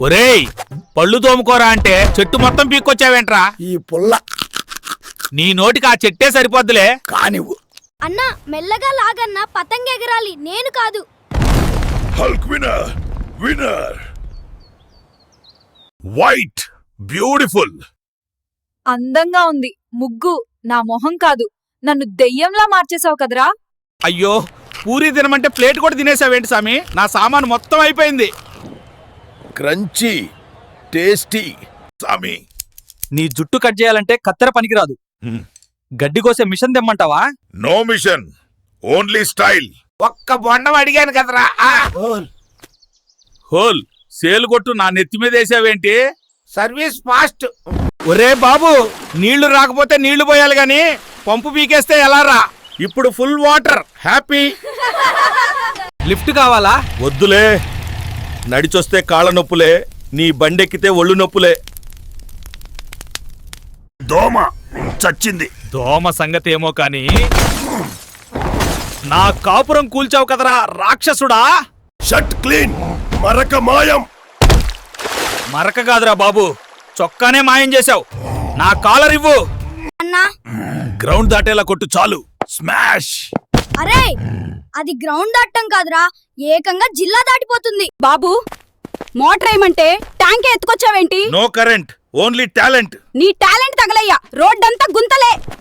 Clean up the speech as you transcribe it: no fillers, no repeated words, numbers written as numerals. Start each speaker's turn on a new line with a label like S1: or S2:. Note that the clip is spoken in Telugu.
S1: ఒరేయ్, పళ్ళు తోముకోరా అంటే చెట్టు మొత్తం పీక్కొచ్చావేంట్రా?
S2: ఈ పుల్ల
S1: నీ నోటికి ఆ చెట్టే సరిపోద్దులే.
S2: కానివ్వు.
S3: అన్నా మెల్లగా లాగన్నా పతంగ ఎగరాలి, నేను కాదు.
S4: Hulk winner winner white beautiful.
S5: అందంగా ఉంది ముగ్గు. నా మొహం కాదు, నన్ను దెయ్యంలా మార్చేసావు కదరా.
S1: అయ్యో, పూరి తినమంటే ప్లేట్ కూడా తినేసావేంటి సామి? నా సామాను మొత్తం అయిపోయింది.
S4: Crunchy tasty. సామి,
S6: నీ జుట్టు కట్ చేయాలంటే కత్తెర పనికిరాదు. గడ్డి కోసే మిషన్ తెమ్మంటావా?
S4: No machine, only style.
S1: ఒక్క బొండం అడిగాను కదరా. హోల్ సేలు కొట్టు నా నెత్తి మీద వేసావేంటి? Service fast. ఒరే బాబు, నీళ్లు రాకపోతే నీళ్లు పోయాలి గాని పంపు పీకేస్తే ఎలా రా? ఇప్పుడు ఫుల్ వాటర్. హ్యాపీ.
S6: లిఫ్ట్ కావాలా?
S4: వద్దులే, నడిచొస్తే కాళ్ళ నొప్పులే, నీ బండెక్కితే ఒళ్ళు నొప్పులే. దోమ చచ్చింది.
S1: దోమ సంగతి ఏమో కాని నా కాపురం కూల్చావు కదరా రాక్షసుడా.
S4: షర్ట్ క్లీన్, మరక మాయం.
S1: మరక కాదురా బాబు, చొక్కానే మాయం చేశావు. నా కాలర్ ఇవ్వు.
S3: అన్నా
S4: గ్రౌండ్ దాటేలా కొట్టు చాలు. స్మాష్.
S3: అరే, అది గ్రౌండ్ దాటం కాదురా, ఏకంగా జిల్లా దాటిపోతుంది.
S5: బాబు, మోటార్ ఏమంటే ట్యాంక్ ఎత్తుకొచ్చావేంటి?
S4: No current, only talent.
S5: నీ టాలెంట్ తగలయ్యా, రోడ్డంతా గుంతలే.